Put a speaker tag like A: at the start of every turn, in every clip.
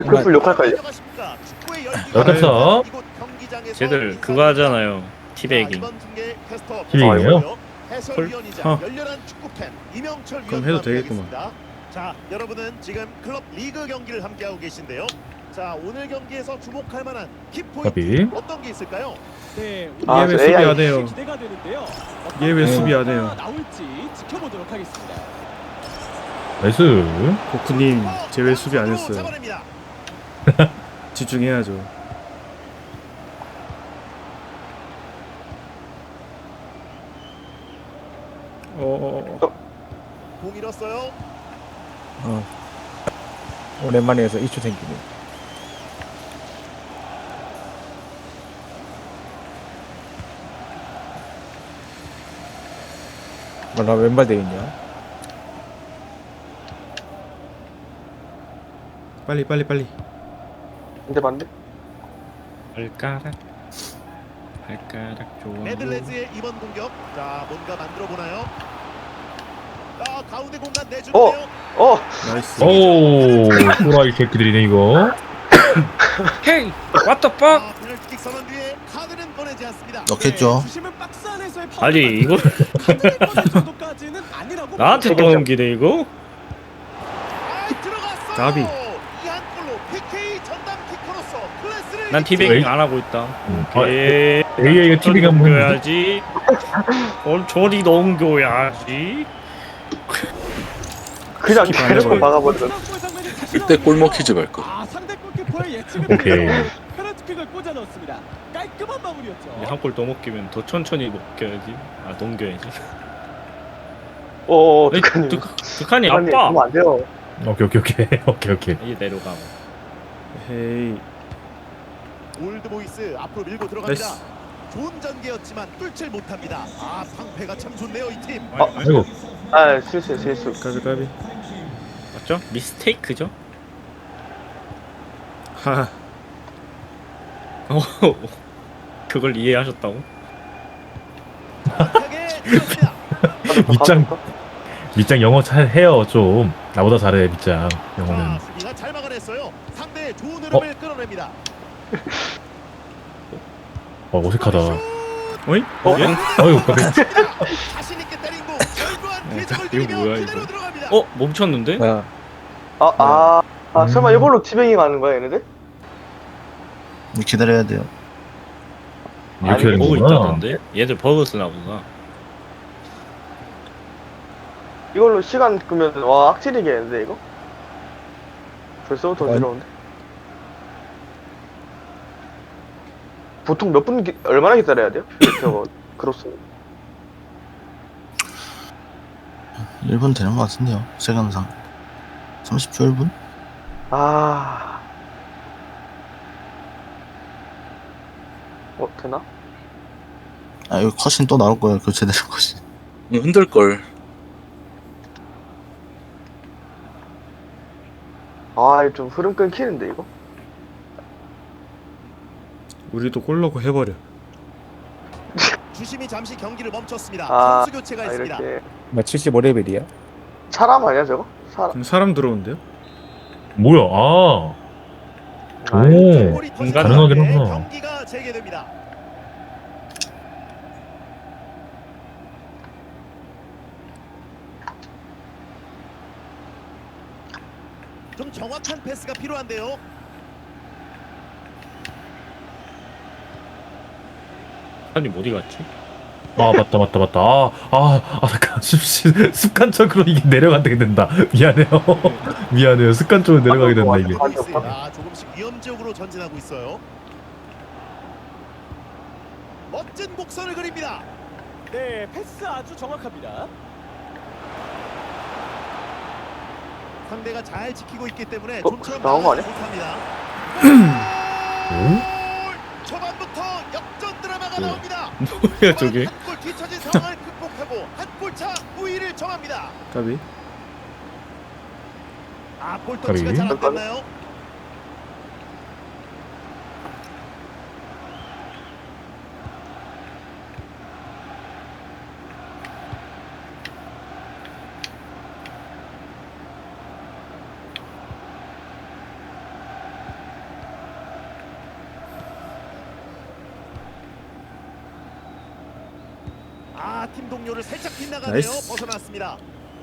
A: 급풀 욕할걸요?
B: 역겹어.
C: 쟤들 그거 하잖아요. 티베이깅.
B: 티베이깅이요?
D: 그럼 해도 되겠구만.
E: 자, 여러분은 지금 클럽 리그 경기를 함께하고 계신데요. 자, 오늘 경기에서 주목할 만한 키포인트 어떤 게 있을까요?
D: 네,
A: 아,
D: 얘 왜
A: 저
D: 수비
A: AI.
D: 안 해요?
F: 기대가 되는데요.
D: 얘 왜 수비 안 해요?
F: 나올지 지켜보도록 하겠습니다.
B: 나이스.
D: 고쿠님, 쟤 왜 수비 안
E: 서로
D: 했어요?
E: 잡아냅니다.
D: 집중해야죠.
E: 공 잃었어요.
G: 오랜만에 해서 이슈 생기네. 나 왼발 돼 있냐?
D: 빨리.
A: 근데 반대?
C: 발가락 좋아.
E: 네덜란드의 이번 공격. 자, 뭔가 만들어 보나요? 아, 가운데 공간 내주는데요.
D: 나이스.
B: 오, 또라이 새끼들이네 이거.
C: 헤이, what the fuck?
E: 아, 페널티킥 선언 뒤에 카드는 보내지 않습니다.
F: 넣겠죠. 주심은 박스 안에서의
C: 아니 이거
F: 카드를 꺼낼 정도까지는 아니라고.
C: 나한테 떠넘기네 이거?
E: 아, 들어갔어요.
D: 가비.
E: 이한 골로 PK 전담 키커로서 클래스를
C: 난 티베이깅 안 하고 있다. 오케이.
B: AI가 티베이깅 한번 했는데?
C: 넘겨야지. 저리 넘겨야지.
A: 그냥
D: 스킵 안
A: 대놓고
D: 해버려.
A: 막아버리던.
F: 이때
H: 골목 퀴즈 갈 거.
F: 아, 상대 골키퍼의 예측을
B: 오케이.
F: 통해서 페널티킥을 꽂아 넣었습니다. 깔끔한 마무리였죠.
C: 한 골 더 먹기면 더 천천히 먹겨야지. 아 넘겨야지.
A: 득한님.
C: 득한이
A: 득한님,
C: 아빠.
A: 그러면 안 돼요.
B: 오케이.
C: 이제 내려가.
D: 헤이.
E: 올드보이스 앞으로 밀고 들어갑니다.
D: 나이스.
E: 좋은 전개였지만 뚫질 못합니다. 아, 방패가 참 좋네요, 이 팀.
B: 아이고.
A: 아, 실수.
D: 까비.
C: 맞죠? 미스테이크죠?
D: 하.
C: 그걸 이해하셨다고?
E: 정확하게 들어갑니다.
B: 밑장 영어 잘 해요 좀. 나보다 잘해 밑장 영어는.
E: 자, 수비가 잘 막아냈어요. 상대의 좋은 흐름을 끌어냅니다.
B: 어색하다.
D: 어이?
B: 아이고 까비.
E: 자신 있게 때린 공 결과한 궤적을
C: 이거
E: 누리며
C: 뭐야,
E: 그대로
C: 이거?
E: 들어갑니다.
C: 멈췄는데?
G: 뭐야?
A: 설마 이걸로 티베깅 하는 거야, 얘네들?
H: 기다려야 돼요.
B: 이렇게 되는
C: 버그
B: 거구나.
C: 있다던데? 얘들 버그 쓰나 보다.
A: 이걸로 시간 끄면, 와, 악질이겠는데, 이거? 벌써부터
G: 아니.
A: 어지러운데? 보통 얼마나 기다려야 돼요? 저거, 크로스.
H: 1분 되는 것 같은데요. 시간상 30초 1분?
A: 되나?
H: 아 여기 컷신 또 나올 거예요. 교체되는 컷신.
I: 흔들 걸.
A: 좀 흐름 끊기는데, 이거?
D: 우리도 골 넣고 해버려.
E: 주심이 잠시 경기를 멈췄습니다.
A: 아,
E: 선수 교체가 있습니다.
A: 이렇게.
G: 나 75레벨이야?
A: 사람 아니야, 저거?
D: 그럼 사람 들어온대요?
B: 뭐야? 오.
E: 골이 터지는
B: 가능하긴
E: 가운데
B: 하구나.
E: 경기가 재개됩니다. 좀 정확한 패스가 필요한데요.
C: 아니 어디 갔지?
B: 아 맞다. 잠깐 습관적으로 이게 내려가게 된다. 미안해요. 습관적으로 내려가게 된다 이게.
E: 조금씩 위험 지역으로 전진하고 있어요. 멋진 곡선을 그립니다.
F: 네, 패스 아주 정확합니다.
E: 상대가 잘 지키고 있기 때문에
A: 어,
E: 좀처럼
A: 나온 거 아니야?
E: 못합니다. 초반부터 역전 드라마가 나옵니다.
C: 뭐야 저게?
E: 한골 뒤처진 상황을 극복하고 한 골차 우위를 정합니다.
D: 까비.
E: 볼 터치가 잘 안 됐나요? 아, 팀 동료를 살짝 빗나가네요.
D: 나이스.
E: 벗어났습니다.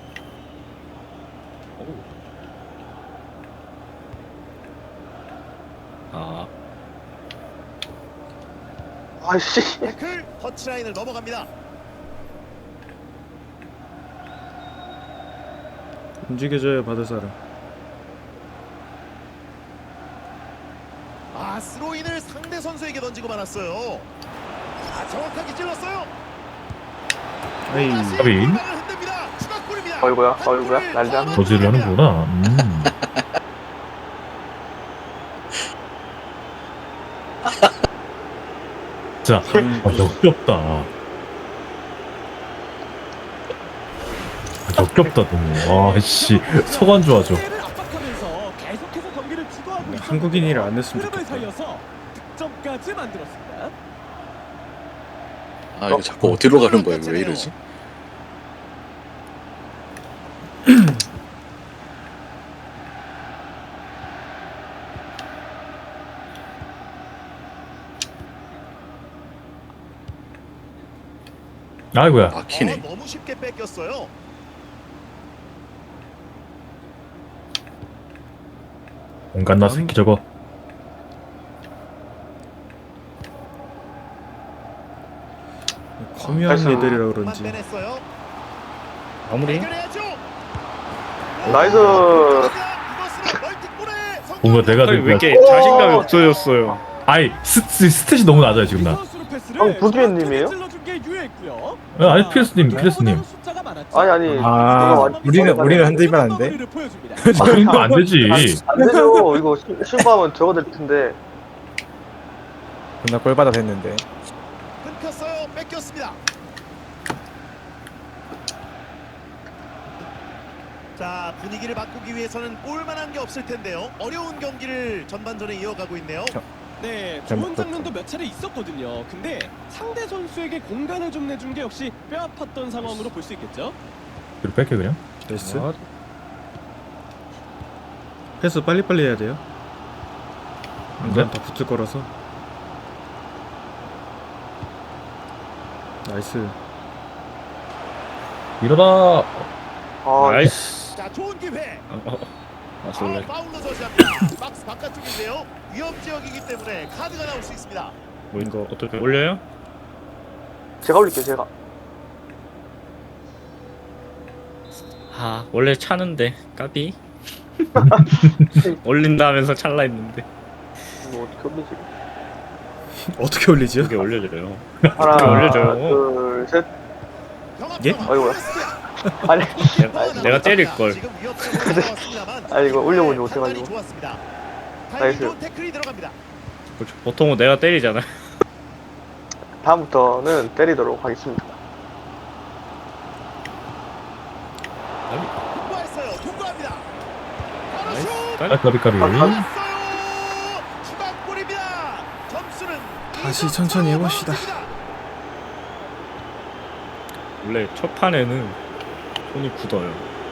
C: 아,
A: 아씨.
E: 태클 터치라인을 넘어갑니다.
D: 움직여줘야 받을 사람.
E: 아, 스로인을 상대 선수에게 던지고 말았어요. 아, 정확하게 찔렀어요.
D: 에이.
E: 다시
B: 까비.
E: 골망을 흔듭니다. 추가골입니다.
A: 어이구야,
E: 한
A: 어이구야,
E: 골을
A: 난리 났네.
E: 더
B: 저지를
E: 넣어갑니다.
B: 하는구나. 자, 역겹다. 역겹다 너무. 와, 씨, 서관 좋아져.
F: 상대를 압박하면서 계속해서 경기를 주도하고 있었는데
D: 한국인이라 안 냈으면
F: 흐름을
D: 좋겠다.
F: 살려서 득점까지 만들었습니다.
H: 아 이거 자꾸 어디로 가는 거야? 왜 이러지?
B: 아이고야.
H: 막히네.
E: 너무 쉽게 뺏겼어요.
B: 온갖 나 새끼 저거.
D: 커미한 애들이라 그런지.
E: 빼냈어요.
C: 마무리.
E: 해결해야죠.
A: 나이스.
E: 이것은 멀티골에
B: 뭔가 내가
C: 왜
B: 된
C: 이렇게
B: 거야.
C: 자신감이 없어졌어요?
B: 아이, 스탯이 너무 낮아요 지금 나.
A: 부기현님이에요?
B: 아니 피레스님, 피레스님.
A: 아니, 아니.
G: 아, 우리는 흔들면 안 돼?
B: 이거 안 되지.
A: 안 되죠. 이거 실수하면 저거 될 텐데.
G: 존나 꼴받아 됐는데.
E: 끊겼어요. 뺏겼습니다. 자, 분위기를 바꾸기 위해서는 볼만한 게 없을 텐데요. 어려운 경기를 전반전에 이어가고 있네요.
F: 네,
G: 잘
F: 좋은
G: 먹었다.
F: 장면도 몇 차례 있었거든요. 근데 상대 선수에게 공간을 좀 내준 게 역시 뼈아팠던 상황으로 볼 수 있겠죠.
B: 이거 뺄게 그냥.
D: 나이스. 패스 빨리빨리 해야 돼요. 안 그러면 다 붙을 거라서. 나이스.
B: 일어나.
A: 아,
C: 나이스.
E: 자, 좋은 기회.
C: 아, 솔레.
E: 파울로 저지합니다. 박스 바깥쪽인데요. 위험 지역이기 때문에 카드가 나올 수 있습니다.
C: 뭐 이거 어떻게 올려요?
A: 제가 올릴게요, 제가.
C: 아, 원래 차는데 까비. 올린다 하면서 찰라 했는데
A: 뭐 어떻게 올리지?
D: 어떻게 올리지요?
C: 이게 올려줘요.
A: 하나,
C: 어떻게 올려줘요?
A: 둘, 셋.
D: 예?
A: 아이고야. 아니,
C: 내가 때릴 걸.
E: 지금 위협적으로 나왔습니다만
A: 아니, 이거 올려보지
E: 판단이
A: 못해가지고.
E: 좋았습니다. 타이밍
A: 나이스.
E: 좋은 태클이 들어갑니다.
C: 보통은 내가 때리잖아.
A: 다음부터는 때리도록 하겠습니다.
E: 통과했어요. 통과합니다. 바로 슛!
B: 아, 까비까비.
E: 나왔어요. 추가골입니다. 점수는
D: 다시
E: 2점
D: 천천히
E: 차로
D: 해봅시다.
E: 벌어집니다.
C: 원래 첫 판에는 손이 굳어요.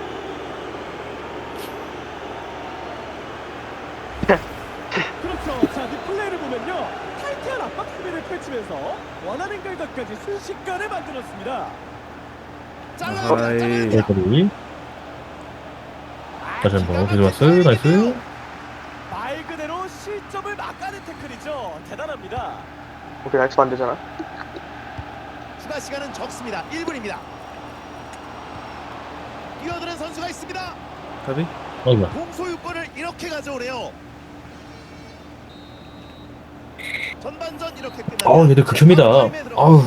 F: 그렇죠. 자, 그 플레이를 보면요. 타이트한 압박 수비를 펼치면서 원하는 결과까지 순식간에 만들었습니다.
E: 잘라냅니다.
D: 아이.
E: 잘라냅니다.
B: 까비. 다시 한번 가져왔어. 나이스.
F: 말 그대로 실점을 막아낸 태클이죠. 대단합니다.
A: 오케이, 나이스 반대잖아.
E: 추가 시간은 적습니다. 1분입니다. 뛰어드는 선수가 있습니다.
D: 가비?
B: 아이고야.
E: 공소유권을 이렇게 가져오네요. 전반전 이렇게 끝납니다.
B: 아우, 얘들 극혐이다.
E: 타임에 들어갑니다.
B: 아우.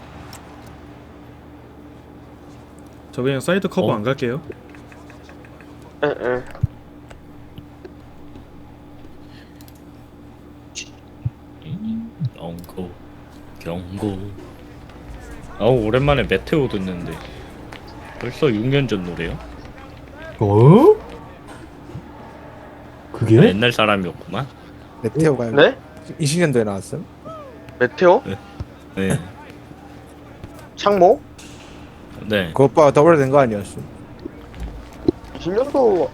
D: 저 그냥 사이드 커버 안 갈게요.
A: 에, 에.
C: 경고. 경고. 아우, 오랜만에 메테오 듣는데 벌써 6년 전 노래요?
B: 어? 그게?
C: 옛날 사람이었구만.
G: 메테오가
A: 네?
G: 20년도에 나왔음.
A: 메테오?
C: 네.
A: 창모?
C: 네.
G: 그것보다 더 오래된 거 아니었음.
A: 20년도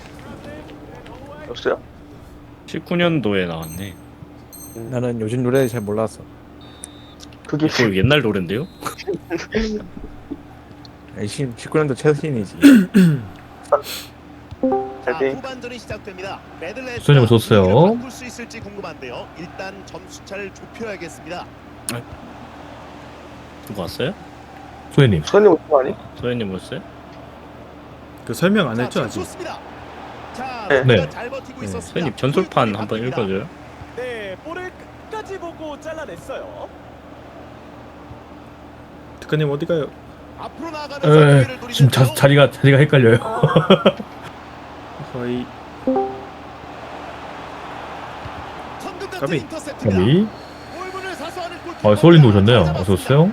A: 였어요?
C: 19년도에 나왔네.
G: 나는 요즘 노래 잘 몰라서.
A: 그게
C: 이거 옛날 노랜데요?
G: 열심히 19년도 최신이지.
E: 자,
A: 잘 돼.
E: 후반전이 시작됩니다. 메들레스가
B: 수현님 좋았어요.
E: 분위기를 바꿀 수 있을지 궁금한데요. 일단 점수차를 좁혀야겠습니다.
C: 누구 왔어요?
B: 소혜님.
A: 수현님 오신 거 아니?
C: 소연님 오셨어요?
D: 그 설명 안
E: 자,
D: 했죠
E: 지금
D: 아직.
E: 좋습니다. 자,
A: 네.
E: 선수가
B: 네.
E: 잘 버티고
D: 네.
E: 있었습니다.
C: 소연님 전술판
E: 골
C: 한번
E: 바뀝니다.
C: 읽어줘요.
F: 네, 볼을 끝까지 보고 잘라냈어요.
D: 특가님 어디 가요?
E: 앞으로 나가면서 기회를
B: 지금
E: 노리는데요.
B: 자리가 헷갈려요.
D: 거의
E: 천금 같은
D: 까비.
E: 인터셉트입니다.
B: 까비.
E: 골문을 사수하는 골키퍼.
B: 아, 소울님도 오셨네요.
E: 잘
B: 어서 오세요.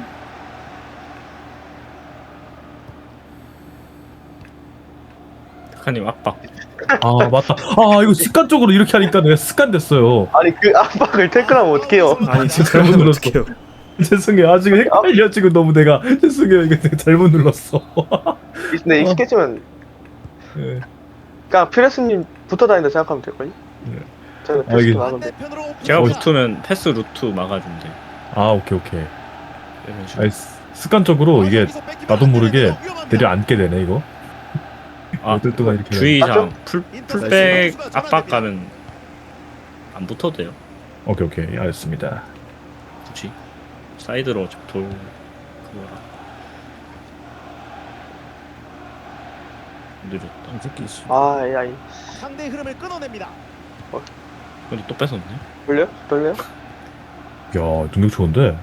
C: 특하님 압박.
B: 아, 맞다. 아, 이거 습관적으로 이렇게 하니까 내가 습관됐어요.
A: 아니 그 압박을 태클하면 어떡해요?
D: 아니 지금
B: 잘못
D: 잘못
B: 눌렀어.
D: 눌렀게요.
B: 죄송해요. 아, 지금 헷갈려. 지금 너무 내가. 죄송해요. 이거 내가 잘못 눌렀어.
A: 근데 익숙해지면
B: 네.
A: 그냥 피레스님 붙어 다닌다 생각하면 될걸요?
B: 네.
A: 저는
B: 아, 이게-
A: 피레스 나가면 돼.
E: 반대편으로 오픈.
C: 제가
B: 어,
C: 붙으면 패스 루트 막아준대.
B: 아, 오케이.
C: 이런 식으로.
B: 아니, 습관적으로 이게
E: 여기서 뺏기면
B: 나도
E: 안
B: 모르게
E: 되는데요. 위험합니다.
B: 내려앉게 되네, 이거.
C: 아,
B: 어떨 동안 이렇게.
C: 주의사항 풀
E: 인터셉트
C: 풀백
E: 선수가
C: 압박가는 안 붙어도 돼요.
B: 오케이. 알겠습니다.
C: 굳이 사이드로 돌 그거라. 느렸다.
G: 이 새끼 씨.
A: 아, AI.
E: 상대 흐름을 끊어냅니다.
C: 근데 또 뺏었네.
A: 돌려요?
B: 야, 능력 좋은데.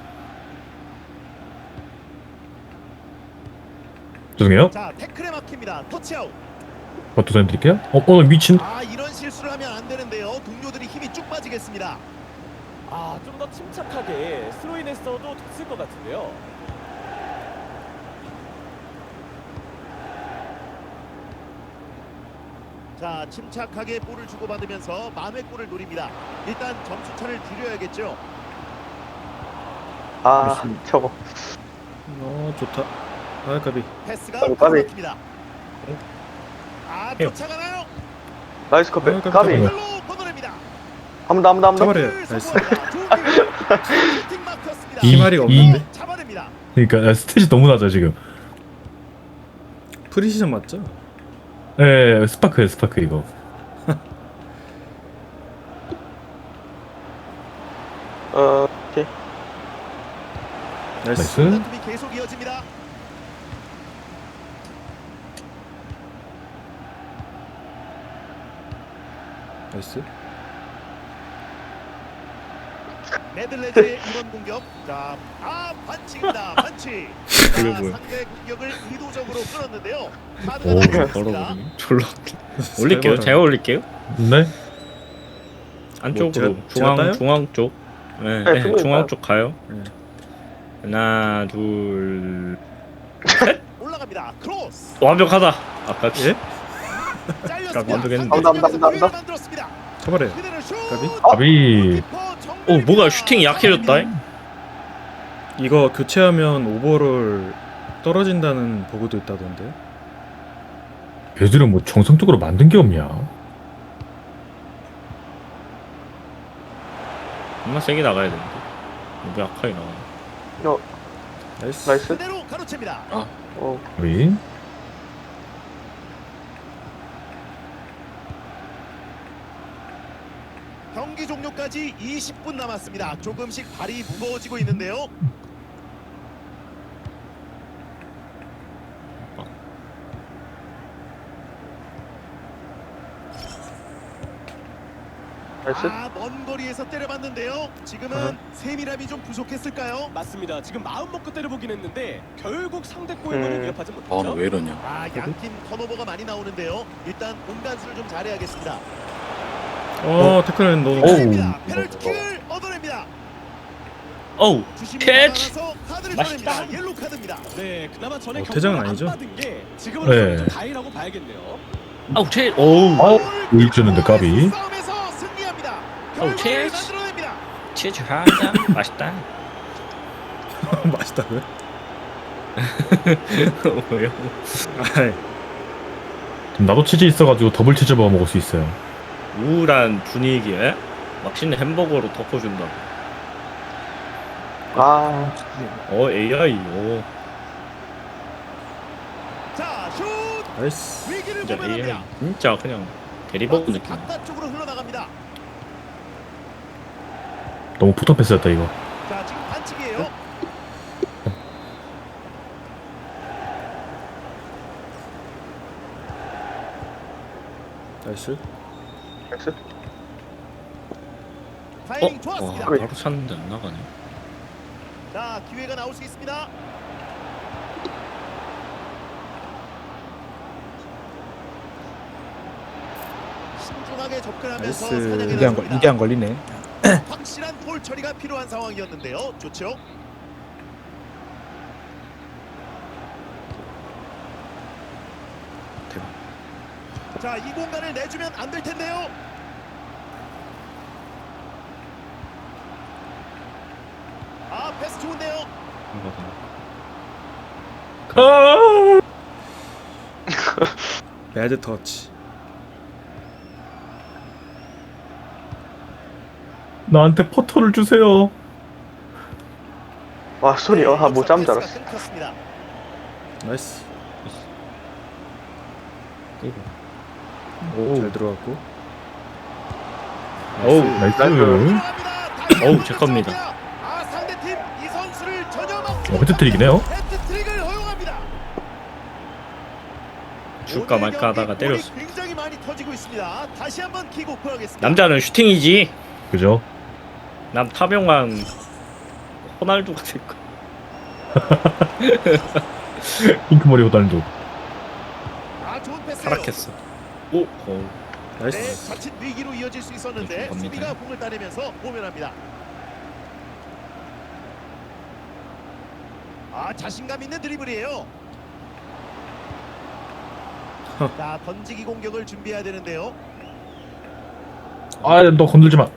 B: 죄송해요.
E: 자, 태클에 막힙니다. 터치아웃.
B: 버튼 사인 드릴게요. 오늘 미친.
E: 아, 이런 실수를 하면 안 되는데요. 동료들이 힘이 쭉 빠지겠습니다.
F: 아, 좀 더 침착하게 스로인했어도 됐을 것 같은데요.
E: 자, 침착하게 볼을 주고받으면서 만회골을 노립니다. 일단 점수차를 줄여야겠죠.
A: 아, 저거.
D: 좋다. 아 까비.
E: 패스가
A: 까비.
E: 막힙니다. 아, 쫓아가나요?
A: 나이스 컵백.
D: 아,
A: 까비.
D: 깜짝이야.
E: 발로 걷어냅니다.
A: 한 번 더.
D: 잡아래요.
E: 골을
D: 나이스.
E: 성공합니다. 좋은 기회. 슈팅 막혔습니다.
D: 희말이가 없는데?
E: 잡아냅니다.
B: 그러니까 스탯이 너무 낮아 지금.
D: 프리시즌 맞죠?
B: 예, 스파크 이거.
A: 오케이.
D: 나이스.
B: 나이스.
E: 다툼이 계속 이어집니다.
D: 나이스.
E: 네덜란드의 이번 공격. 자, 반칙입니다. 반칙. 자,
C: 이거 뭐야?
E: 상대 공격을 의도적으로 끌었는데요. 카드가
B: 오,
E: 나왔습니다.
C: 걸어버리네. 졸라. 올릴게요.
D: 잘
C: 제가 올릴게요.
B: 네.
C: 안쪽으로
D: 제가 따요?
C: 중앙 쪽. 네,
A: 네,
C: 네,
A: 중앙
C: 중앙
A: 따요.
C: 쪽 가요.
D: 네.
C: 하나, 둘.
E: 올라갑니다. 크로스.
C: 완벽하다. 아까
D: 예?
E: 잘렸습니다.
C: 완벽했는데.
A: 남다.
E: 기회를 만들었습니다.
D: 잡아래요.
E: 그대로 슛.
D: 까비?
B: 가비.
E: 골키퍼 정면입니다.
C: 뭐가 슈팅이 약해졌다.
D: 이거 교체하면 오버롤 떨어진다는 보고도 있다던데.
B: 얘들은 뭐 정성적으로 만든 게 없냐?
C: 정말 세게 나가야 되는데. 너무 약하게 나가.
D: 나이스.
A: 나이스.
E: 그대로 가로챕니다.
B: 우리
E: 경기 종료까지 20분 남았습니다. 조금씩 발이 무거워지고 있는데요.
A: 나이스.
E: 먼 거리에서 때려봤는데요. 지금은 세밀함이 좀 부족했을까요?
F: 맞습니다. 지금 마음 먹고 때려보긴 했는데 결국 상대 골문을 위협하지 못했죠.
H: 왜 이러냐.
E: 양팀 턴오버가 많이 나오는데요. 일단 공간수를 좀 잘해야겠습니다.
D: 태클은 너무.
E: 페널티입니다. 페널티킥을 얻어냅니다.
C: 어우,
E: 주심이
C: 캐치!
E: 나가서 카드를
C: 맛있다.
E: 꺼냅니다. 옐로 카드입니다.
F: 네, 그나마 전에
D: 퇴장은
F: 경고를
D: 아니죠?
F: 안 받은 게 지금은
B: 네.
F: 좀 다행이라고 봐야겠네요.
C: 아우, 어우,
B: 우익 주는데 까비.
E: 싸움에서 승리합니다.
C: 어우,
E: 결과를
C: 체스.
E: 만들어냅니다.
C: 치즈 하자. 맛있다.
D: 맛있다고요?
C: 왜요?
D: 아이,
B: 나도 치즈 있어가지고 더블 치즈 버거 먹을 수 있어요.
C: 우울한 분위기에 맛있는 햄버거로 덮어준다.
A: 아,
C: AI. 오.
E: 자, 슛!
D: 나이스.
E: 위기를
C: 진짜 AI.
E: 모면합니다.
C: 진짜 그냥 대리버그 느낌.
E: 바깥쪽으로 흘러나갑니다.
B: 너무 붙어 패스였다 이거.
E: 자, 지금 반칙이에요.
D: 나이스.
A: 나이스.
E: 타이밍
C: 와,
E: 좋았습니다.
C: 바로 찼는데 안 나가네.
E: 자, 기회가 나올 수 있습니다. 신중하게 접근하면서
D: 나이스.
E: 사냥에
G: 이게
E: 나섭니다.
G: 안 걸리네.
E: 확실한 볼 처리가 필요한 상황이었는데요. 좋죠.
C: 대박.
E: 자, 이 공간을 내주면 안 될 텐데요. 아, 패스 좋은데요.
C: 이거는
D: 배드 터치.
B: 나한테 포터를 주세요.
A: 와, 소리. 아, 못 잡는 줄
E: 패스가
A: 알았어.
E: 끊겼습니다.
D: 나이스.
C: 이거.
D: 잘 들어갔고.
C: 어우,
B: 나이스.
E: 들어갑니다.
C: 어우, 제 겁니다.
E: 아, 상대팀 이 선수를 전혀 막지
B: 헤트트릭이네요.
E: 헤트트릭을 허용합니다.
C: 줄까
E: 오늘
C: 말까 하다가
E: 경기
C: 때렸어.
E: 골이 굉장히 많이 터지고 있습니다. 다시 한번 킥오프 하겠습니다.
C: 남자는 슈팅이지.
B: 그죠?
C: 남 타병왕 호날두가 될 거야.
B: 핑크머리 호달도.
E: 아, 좋은 패스예요.
C: 타락했어. 오, 어.
E: 네,
D: 나이스.
E: 자칫 위기로 이어질 수 있었는데
C: 네, 좀
E: 수비가
C: 갑니다.
E: 공을 따내면서 모면합니다. 아, 자신감 있는 드리블이에요. 자, 던지기 공격을 준비해야 되는데요.
B: 아, 너 건들지 마.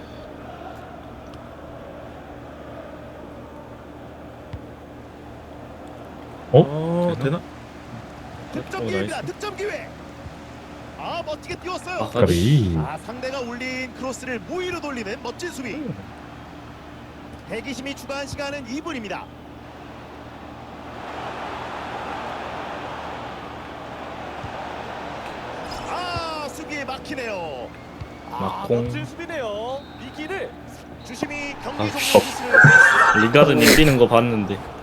D: 되나?
E: 득점 기회입니다. 득점 기회. 아, 멋지게 띄웠어요.
C: 아,
B: 까비.
E: 아, 상대가 올린 크로스를 무위로 돌리는 멋진 수비. 대기심이 추가한 시간은 2분입니다. 아, 수비에 막히네요. 아,
C: 막공.
E: 멋진 수비네요. 위기를 주심이 경기
C: 아,
E: 종료 기술을 보였습니다.
C: 리가드님 뛰는 거 봤는데